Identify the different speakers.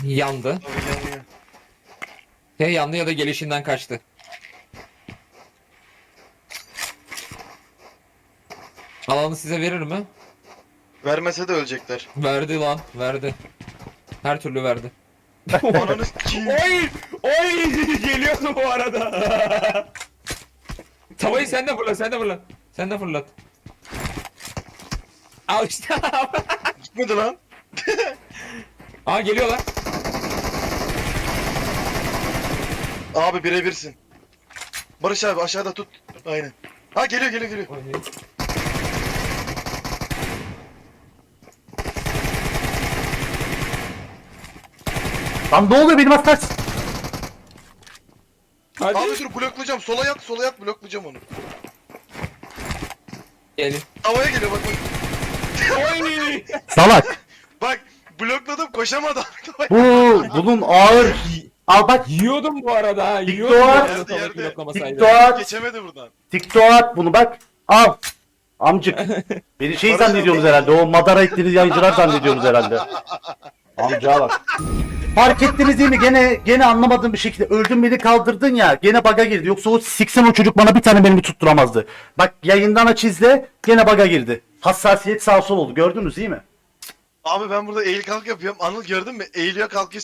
Speaker 1: Yandı.
Speaker 2: Abi yanıyor.
Speaker 1: Ya yandı ya da gelişinden kaçtı. Alanı size verir mi?
Speaker 2: Vermese de ölecekler.
Speaker 1: Verdi lan. Verdi. Her türlü verdi.
Speaker 2: Ananı s**eyim.
Speaker 1: Oy! Oy! Geliyordu bu arada. Tavayı sen de fırlat, sen de fırlat. Sen de fırlat. Al işte.
Speaker 2: Gitmedi lan.
Speaker 1: Aa geliyorlar.
Speaker 2: Abi birebirsin. Barış abi aşağıda tut. Aynen. Ha geliyor geliyor geliyor.
Speaker 3: Lan ne oluyor benim atar?
Speaker 1: Hadi.
Speaker 2: Abi dur bloklayacağım. Sola yat bloklayacağım onu.
Speaker 1: Gelin.
Speaker 2: Havaya geliyor bak bak.
Speaker 1: Oy!
Speaker 3: Salak.
Speaker 2: Bak blokladım koşamadım.
Speaker 3: Bunun ağır. Al bak.
Speaker 1: Yiyordum bu arada ha.
Speaker 3: Dik
Speaker 1: Yiyordum bu
Speaker 3: doğar.
Speaker 1: arada
Speaker 2: Yerde,
Speaker 1: tavayı
Speaker 2: yerde.
Speaker 1: bloklamasaydı.
Speaker 3: TikTok at.
Speaker 2: Geçemedi buradan.
Speaker 3: TikTok at bunu bak. Al. Amcık. Beni şey
Speaker 2: Barış
Speaker 3: zannediyorsunuz
Speaker 2: abi.
Speaker 3: herhalde. O madara ettiğiniz yayıncılar zannediyorsunuz herhalde. Amca bak. Fark ettiniz değil mi? Gene anlamadığım bir şekilde öldün beni kaldırdın ya. Gene baga girdi. Yoksa o siksen o çocuk bana bir tane mermi tutturamazdı. Bak yayından aç izle. Gene baga girdi. Hassasiyet sağ sol oldu. Gördünüz değil mi?
Speaker 2: Abi ben burada eğil kalk yapıyorum. Anıl gördün mü? Eğiliyor kalkıyor.